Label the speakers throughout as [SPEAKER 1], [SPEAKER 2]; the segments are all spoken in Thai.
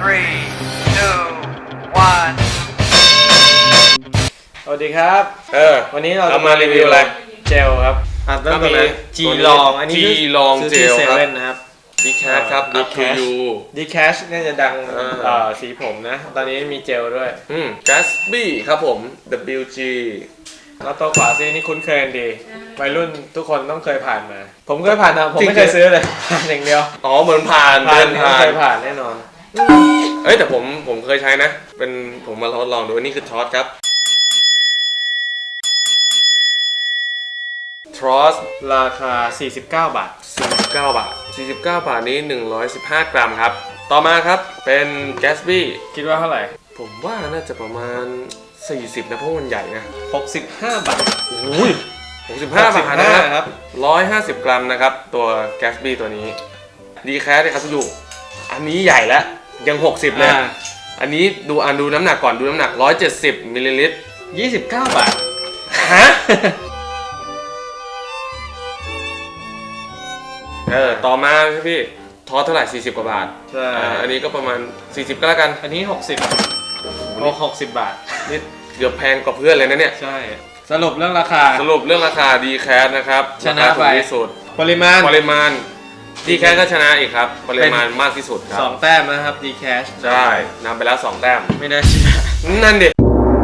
[SPEAKER 1] three, two, one
[SPEAKER 2] สวัสดีครับวันนี้เราจะ
[SPEAKER 3] มารีวิวอะไร
[SPEAKER 2] เจลครับเริ่มต้นเลยจีลองอันนี้
[SPEAKER 3] จีลองเจลครับ
[SPEAKER 2] นะครับ
[SPEAKER 3] ดีแคสครับ Up to you
[SPEAKER 2] ดีแคชน่าจะดังสีผมนะตอนนี้มีเจลด้วย
[SPEAKER 3] Gatsby ครับผม WG
[SPEAKER 2] แล้วตัวขวาซีนี่คุ้นเคยดีวัยรุ่นทุกคนต้องเคยผ่านมาผมเคยผ่านนะผมไม่เคยซื้อเลยผ่านอย่างเดียว
[SPEAKER 3] เหมือนผ่านเดินผ่าน
[SPEAKER 2] เคยผ่านแน่นอน
[SPEAKER 3] แต่ผมเคยใช้นะเป็นผมมาทดลองดูนี่คือทอสครับทรอส
[SPEAKER 2] ราคา49 บาท
[SPEAKER 3] 49 บาทนี้115 กรัมครับต่อมาครับเป็น Gatsby
[SPEAKER 2] คิดว่าเท่าไหร่
[SPEAKER 3] ผมว่าน่าจะประมาณ40นะเพราะมันใหญ่นะ
[SPEAKER 2] 65 บาท
[SPEAKER 3] อุ้ย65 บาทนะครับ150 กรัมนะครับตัว Gatsby ตัวนี้ดีแคสเลยครับทุกอยู่อันนี้ใหญ่แล้วยัง60เลยอันนี้ดูน้ำหนักก่อนดูน้ำหนัก170มิลลิลิตร
[SPEAKER 2] 29 บาท
[SPEAKER 3] ฮะต่อมาพี่ทอสเท่าไหร่40 กว่าบาท
[SPEAKER 2] ใช่
[SPEAKER 3] อันนี้ก็ประมาณ40ก็แล้วกัน
[SPEAKER 2] อันนี้60 บาท
[SPEAKER 3] นี่เกือบแพงกว่าเพื่อนเลยนะเนี่ย
[SPEAKER 2] ใช่สรุปเรื่องราคา
[SPEAKER 3] ดีแคสนะครับ
[SPEAKER 2] ชนะไป
[SPEAKER 3] ที่สุด
[SPEAKER 2] ปริมาณ
[SPEAKER 3] ดีแคสก็ชนะอีกครับปริมาณมากที่สุดครับ
[SPEAKER 2] 2 แต้มนะครับดีแคส
[SPEAKER 3] ใช่นำไปแล้ว2 แต้ม
[SPEAKER 2] ไม่ได้ชนะ
[SPEAKER 3] นั่นดิ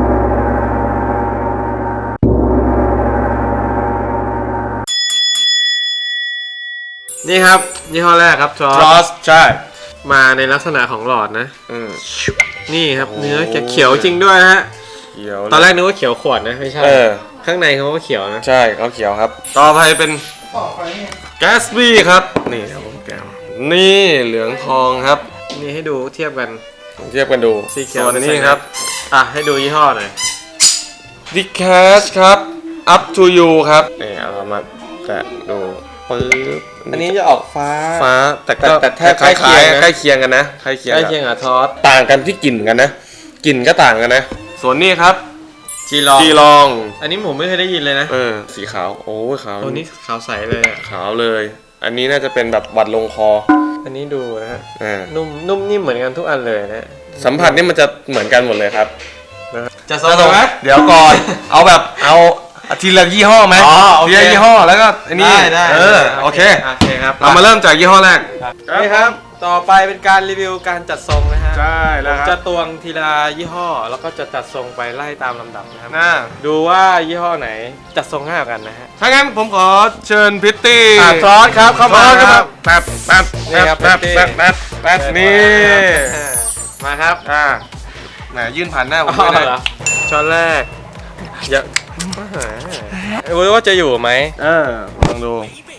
[SPEAKER 2] นี่ครับยี่ห้อแรกครับทรอส
[SPEAKER 3] ใช่
[SPEAKER 2] มาในลักษณะของหลอดนะนี่ครับเนื้อจะเขียวจริงด้วยนะฮะตอนแรกนึกว่าเขียวขวดนะไม่ใช่ข้างในเขาก็เขียวนะ
[SPEAKER 3] ใช่เขาเขียวครับต่อไปเป็น Gatsby ครับนี่ครับผมแก้วนี่เหลืองทองครับ
[SPEAKER 2] นี่ให้ดูเทียบกัน
[SPEAKER 3] ดู
[SPEAKER 2] สีเขียว
[SPEAKER 3] นี่ครับ
[SPEAKER 2] ให้ดูยี่ห้อหน่อย
[SPEAKER 3] Dicash ครับ Up to you ครับนี่เอามาแตะดูปึ๊บ
[SPEAKER 2] อันนี้จะออกฟ้า
[SPEAKER 3] แต่แทบใกล้เคียงกันนะใกล้เคียง
[SPEAKER 2] กับทอส
[SPEAKER 3] ต่างกันที่กลิ่นกันนะกลิ่นก็ต่างกันนะส่วนนี้ครับ
[SPEAKER 2] จีลองอันนี้ผมไม่เคยได้ยินเลยนะ
[SPEAKER 3] สีขาวโอ้ยขาว
[SPEAKER 2] ตัวนี้ขาวใสเลย
[SPEAKER 3] ขาวเลยอันนี้น่าจะเป็นแบบวัดลงคอ
[SPEAKER 2] อันนี้ดูนะฮะนุ่มนิ่มเหมือนกันทุกอันเลยนะ
[SPEAKER 3] สัมผัสนี่มันจะเหมือนกันหมดเลยครับ
[SPEAKER 2] จะส่งไหม
[SPEAKER 3] เดี๋ยวก่อนเอาทีละยี่ห้อไหมทีละยี่ห้อแล้วก็อันนี้
[SPEAKER 2] ได้
[SPEAKER 3] โอเค
[SPEAKER 2] ครับ
[SPEAKER 3] เรามาเริ่มจากยี่ห้อแรก
[SPEAKER 2] นี่ครับต่อไปเป็นการรีวิวการจัดทรงนะฮะ
[SPEAKER 3] ใช่แล้วครับ
[SPEAKER 2] จะตวงทีละยี่ห้อแล้วก็จะจัดทรงไปไล่ตามลำดับนะครับดูว่ายี่ห้อไหนจัดทรงง่ายกว่ากันนะฮะ
[SPEAKER 3] ถ้างั้นผมขอเชิญพิตตี้
[SPEAKER 2] ทรอสครับเข้ามาครับ
[SPEAKER 3] แป๊บนี่
[SPEAKER 2] มาครับ
[SPEAKER 3] แหมยื่นผ่านหน้าผมไม่ได้
[SPEAKER 2] ช้อนแรกอย่ารู้ว่าจะอยู่ไหม
[SPEAKER 3] ลองดู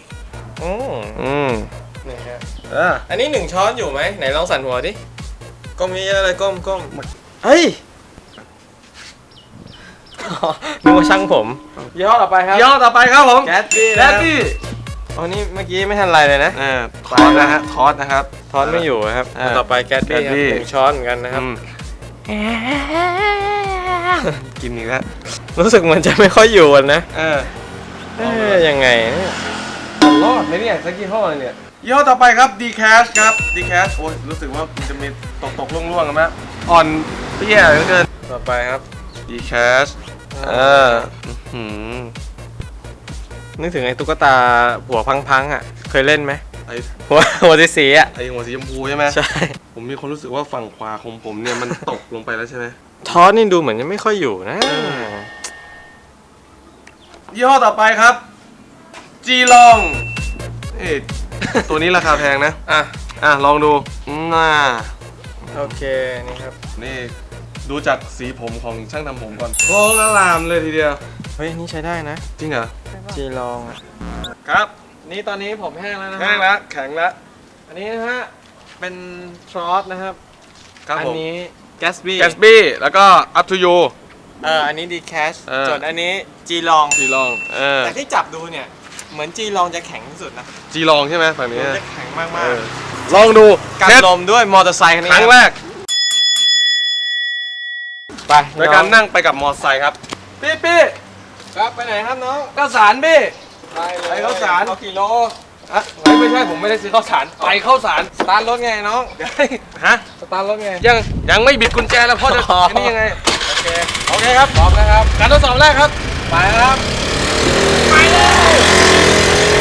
[SPEAKER 2] นี่ฮะอันนี้1 ช้อนอยู่ไหมไหนลองสั่นหัวดิก้มเยอะๆเลยก้มเฮ้ยนึกว่าช่างผมยี่ห้อต่อไปครับ
[SPEAKER 3] ผม
[SPEAKER 2] แก๊สบี้อ๋อนี่เมื่อกี้ไม่ทันไรเลยนะ
[SPEAKER 3] ทอสนะครับ
[SPEAKER 2] ทอสไม่อยู่ครับต่อไปแก๊สบี้ครับ1 ช้อนเหมือนกันนะครับ
[SPEAKER 3] กินอีกแล้ว
[SPEAKER 2] รู้สึกมันจะไม่ค่อยอยู่นะยังไงรอดไหมเนี่ยสักยี่ห้อเนี่ย
[SPEAKER 3] ยี่ห้อต่อไปครับ Dicash ครับ Dicash โอ้ยรู้สึกว่ามันจะมีตกล่วงกันไหมอ่อนเปี้ยเหลือเกิน
[SPEAKER 2] ต่อไปครับ
[SPEAKER 3] Dicash
[SPEAKER 2] นึกถึงไอ้ตุ๊กตาหัวพังอ่ะเคยเล่นไหมหัวสีอ่ะ
[SPEAKER 3] ไอ้หัวสีชมพูใช่ไหม
[SPEAKER 2] ใช่
[SPEAKER 3] ผมมีความรู้สึกว่าฝั่งขวาของผมเนี่ยมันตกลงไปแล้วใช่ไหม
[SPEAKER 2] ทอสนี่ดูเหมือนจะไม่ค่อยอยู่นะ
[SPEAKER 3] ยี่ห้อต่อไปครับจีลองตัวนี้ราคาแพงนะลองดู
[SPEAKER 2] โอเคนี่ครับ
[SPEAKER 3] นี่ดูจากสีผมของช่างทำผมก่อนโอ้ละลามเลยทีเดียว
[SPEAKER 2] เฮ้ยนี่ใช้ได้นะ
[SPEAKER 3] จริงเหรอ
[SPEAKER 2] จีลอง
[SPEAKER 3] ครับ
[SPEAKER 2] นี่ตอนนี้ผมแห้งแล้วนะ
[SPEAKER 3] แห้งแล้วแข็งแล้ว
[SPEAKER 2] อันนี้นะฮะเป็นทรอสนะครับ
[SPEAKER 3] อัน
[SPEAKER 2] นี้ Gatsby
[SPEAKER 3] แล้วก็ Up to you
[SPEAKER 2] อันนี้ Dicash ส่วนอันนี้จีลองแต่ที่จับดูเนี่ยเหมือนจีลองจะแข็งที่สุดนะ
[SPEAKER 3] จีลองใช่ไหมฝั่งนี้
[SPEAKER 2] จะแข็งมาก
[SPEAKER 3] ลองดู
[SPEAKER 2] การลมด้วยมอเตอร์ไซค์
[SPEAKER 3] ครั้งแรก
[SPEAKER 2] ไป
[SPEAKER 3] ในการนั่งไปกับมอเตอร์ไซค์ครับพี่
[SPEAKER 2] ครับไปไหนครับน้อง
[SPEAKER 3] ข้าวสารพี่
[SPEAKER 2] ไปข้าวสารกี่โล
[SPEAKER 3] อ่ะไม่ใช่ผมไม่ได้ซื้อข้าวสารไปข้าวสาร
[SPEAKER 2] สตาร์ทรถไงน้อง
[SPEAKER 3] ฮะ
[SPEAKER 2] สตาร์ทรถไง
[SPEAKER 3] ยังไม่บิดกุญแจแล้วพ่อจะอันนี่ยังไง
[SPEAKER 2] โอเคครับพร้อมนะครับ
[SPEAKER 3] การทดสอบแรกครับ
[SPEAKER 2] ไปครับ
[SPEAKER 3] ไปเลย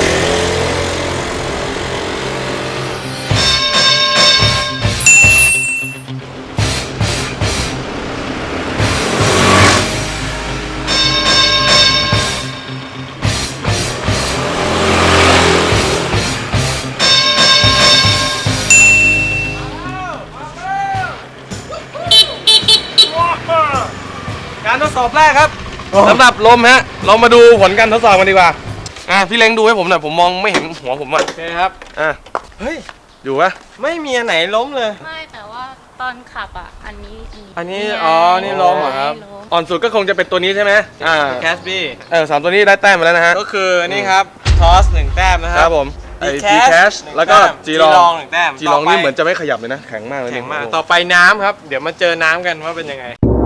[SPEAKER 3] การทดสอบแรกครับสำหรับลมฮะเรามาดูผลการทดสอบกันดีกว่าพี่เล้งดูให้ผมหน่อยผมมองไม่เห็นหัวผมอ่ะ
[SPEAKER 2] โอเคครับ เฮ้ย
[SPEAKER 3] อยู่ปะ
[SPEAKER 2] ไม่มีอันไหนล้มเลย
[SPEAKER 4] ไม่แต่ว่าตอนขับอ่ะ อันนี้
[SPEAKER 2] อันนี้
[SPEAKER 4] ไง
[SPEAKER 2] อ๋อนี่ล้มเหรอครับ
[SPEAKER 4] ล้ม
[SPEAKER 3] อ่อนสุดก็คงจะเป็นตัวนี้ใช่ไหม
[SPEAKER 2] แคสบี้
[SPEAKER 3] สามตัวนี้ได้แต้มมาแล้วนะฮะ
[SPEAKER 2] ก็คือนี่ครับทอส1แต้มนะค
[SPEAKER 3] ค
[SPEAKER 2] รั
[SPEAKER 3] รั
[SPEAKER 2] บบ
[SPEAKER 3] ผมไอ้
[SPEAKER 2] D
[SPEAKER 3] G Cash แล้วก็ G ลอง
[SPEAKER 2] 1แต้ม
[SPEAKER 3] G ลองนี่เหมือนจะไม่ขยับเลยนะแข็งมากเลย
[SPEAKER 2] แข็งมาก
[SPEAKER 3] โอ้โห
[SPEAKER 2] ต่อไปน้ำครับ เดี๋ยวมาเจอน้ำกันว่าเป็นยังไง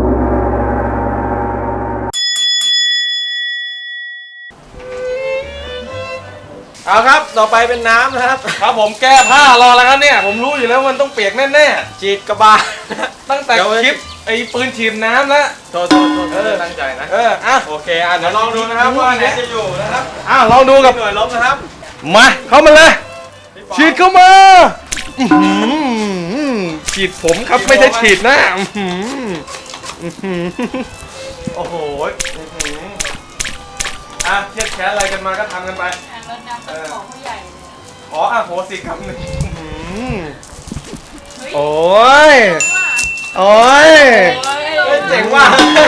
[SPEAKER 2] เอาครับ ต่อไปเป็นน้ำนะครับ
[SPEAKER 3] ครับผมแก้ผ้ารอแล้วครับเนี่ยผมรู้อยู่แล้วมันต้องเปียกแน่
[SPEAKER 2] จีดกระบาล
[SPEAKER 3] ๆตั้งแต่คลิปไอ้ปืนฉีดน้ำแล้ว
[SPEAKER 2] โทษตั้งใจนะ
[SPEAKER 3] อ่ะ
[SPEAKER 2] โอเคเดี๋ยวลองดูนะครับว่าอันไหนจะอยู่นะครับ
[SPEAKER 3] ลองดูกับ
[SPEAKER 2] หน่วยล้มนะครับ
[SPEAKER 3] มาเข้ามาเลย
[SPEAKER 2] พี่ปอ
[SPEAKER 3] ฉีดเข้ามาอื้อหือฉีดผมครับไม่ใช่ฉีดหน้าอื้อหืออื้อหือโอ้โหเครียดแค้นอะไรกันมาก็ทำกันไป
[SPEAKER 4] อ่ะรถน้ำเป็นของผู้ใหญ่เลย
[SPEAKER 3] ขออโหสิกรรมหนึ่ง
[SPEAKER 4] เฮ้ย
[SPEAKER 3] โอ้ย โอ้ย
[SPEAKER 2] เฮ้ยเจ๋งว่ะ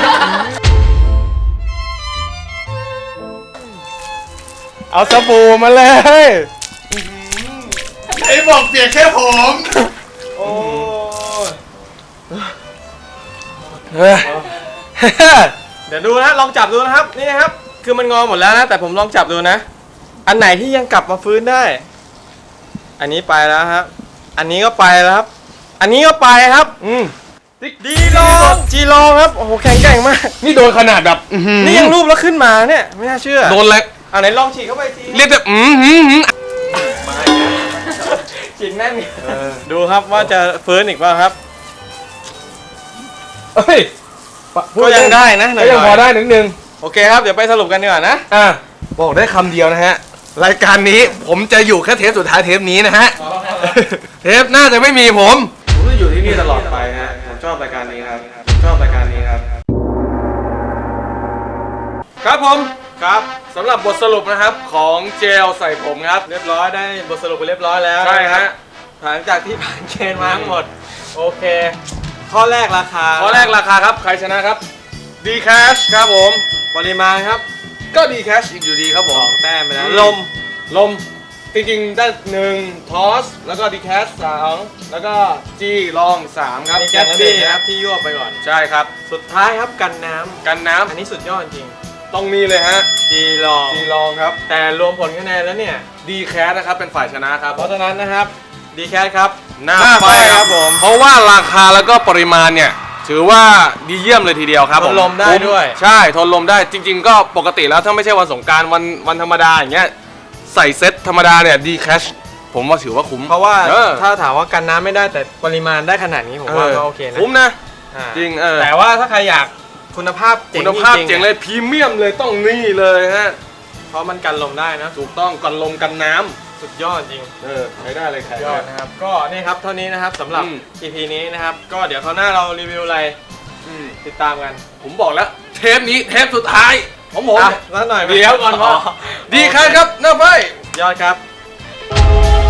[SPEAKER 3] เอาสบู่มาเลย
[SPEAKER 5] ไอ้บอกเปียกแค่ผม
[SPEAKER 2] โอ้ย
[SPEAKER 3] เฮ้ย
[SPEAKER 2] เดี๋ยวดูนะลองจับดูนะครับนี่นะครับคือมันงอหมดแล้วนะแต่ผมลองจับดูนะ อันไหนที่ยังกลับมาฟื้นได้ อันนี้ไปแล้วครับ อันนี้ก็ไปแล้วครับ อันนี้ก็ไปครับดีลองจีลองครับโอ้โหแข็งแกร่งมาก
[SPEAKER 3] นี่โดนขนาดแบบอื้อหือ
[SPEAKER 2] นี่ยังรูปแล้วขึ้นมาเนี่ยไม่น่าเชื่อ
[SPEAKER 3] โดนอะไร
[SPEAKER 2] เอาไหนลองฉีดเข้าไปที
[SPEAKER 3] เรียกแบบ
[SPEAKER 2] ฉีดแน่นดูครับว่าจะฟื้นอีกเปล่าครับ
[SPEAKER 3] เฮ้ย
[SPEAKER 2] ก็ยังได้นะหน่
[SPEAKER 3] ก็
[SPEAKER 2] อยๆ
[SPEAKER 3] ยังพอได้นิดนึง
[SPEAKER 2] โอเคครับเดี๋ยวไปสรุปกันดีกว่านะ
[SPEAKER 3] บอกได้คำเดียวนะฮะ รายการนี้ผมจะอยู่แค่เทปสุดท้ายเทปนี้นะฮะ เทปน่าจะไม่มีผมจะอยู่ที่นี่ตลอดไปฮะ ผมชอบรายการนี้ครับ ชอบรายการนี้ครับ ครับผม
[SPEAKER 2] ครับ
[SPEAKER 3] สำหรับบทสรุปนะครับของเจลใส่ผมครับ
[SPEAKER 2] เรียบร้อยได้บทสรุปไปเรียบร้อยแล้ว
[SPEAKER 3] ใช่ฮะ
[SPEAKER 2] หลังจากที่ผ่านเกณฑ์มาทั้งหมดโอเค ข้อแรกราคา
[SPEAKER 3] ข้อแรกราคาครับ ใครชนะครับ D Cash ครับผม
[SPEAKER 2] ปริมาณครับ
[SPEAKER 3] ก็ D Cash อีกอยู่ดีครับผม
[SPEAKER 2] 2 แต้มไปแล้ว
[SPEAKER 3] ลมจริงๆได้1ทอสแล้วก็ D Cash 2แล้วก็ G ลอง3ครับ
[SPEAKER 2] มีแก๊สบี้ครับที่ยั่วไปก่อน
[SPEAKER 3] ใช่ครับ
[SPEAKER 2] สุดท้ายครับกันน้ำ
[SPEAKER 3] กันน้ำ
[SPEAKER 2] อันนี้สุดยอดจริง
[SPEAKER 3] ต้องมีเลยฮะ
[SPEAKER 2] จีลอง
[SPEAKER 3] G ลองครับ
[SPEAKER 2] แต่รวมผลคะแนนแล้วเนี่ย
[SPEAKER 3] D Cash นะครับเป็นฝ่ายชนะครับ
[SPEAKER 2] เพราะฉะนั้นนะครับดีแคสครับ
[SPEAKER 3] หน้า
[SPEAKER 2] ไฟ
[SPEAKER 3] ไฟ
[SPEAKER 2] ครับผม
[SPEAKER 3] เพราะว่าราคาแล้วก็ปริมาณเนี่ยถือว่าดีเยี่ยมเลยทีเดียวครับ
[SPEAKER 2] ทนลมได้ด้วย
[SPEAKER 3] ใช่ทนลมได้จริง ๆ ก็ปกติแล้วถ้าไม่ใช่วันสงกรารวันธรรมดาอย่างเงี้ยใส่เซ็ตธรรมดาเนี่ยดีแคชผมว่าถือว่าคุ้ม
[SPEAKER 2] เพราะว่า
[SPEAKER 3] เออ
[SPEAKER 2] ถ้าถามว่ากันน้ำไม่ได้แต่ปริมาณได้ขนาดนี้ผมว่าก็โอเคนะ
[SPEAKER 3] คุ้มนะ
[SPEAKER 2] อ่า
[SPEAKER 3] จริง
[SPEAKER 2] แต่ว่าถ้าใครอยากคุณภาพเจ๋ง
[SPEAKER 3] คุณภาพ
[SPEAKER 2] จริงๆ
[SPEAKER 3] เจ๋งเลยพรีเมียมเลยต้องนี่เลยฮะ
[SPEAKER 2] เพราะมันกันลมได้นะ
[SPEAKER 3] ถูกต้องกันลมกันน้ำ
[SPEAKER 2] สุดยอดจริง
[SPEAKER 3] ใช้ได้เลยแขก
[SPEAKER 2] ยอดนะครับก็นี่ครับเท่านี้นะครับสำหรับ
[SPEAKER 3] อืม
[SPEAKER 2] EP นี้นะครับก็เดี๋ยวคราวหน้าเรารีวิวอะไรติดตามกัน
[SPEAKER 3] ผมบอกแล้วเทปนี้เทปสุดท้ายของผม
[SPEAKER 2] สักหน่อยไหม
[SPEAKER 3] เดี๋ยวก่อนพ่อดีครับหน้าไฟ
[SPEAKER 2] ยอดครับ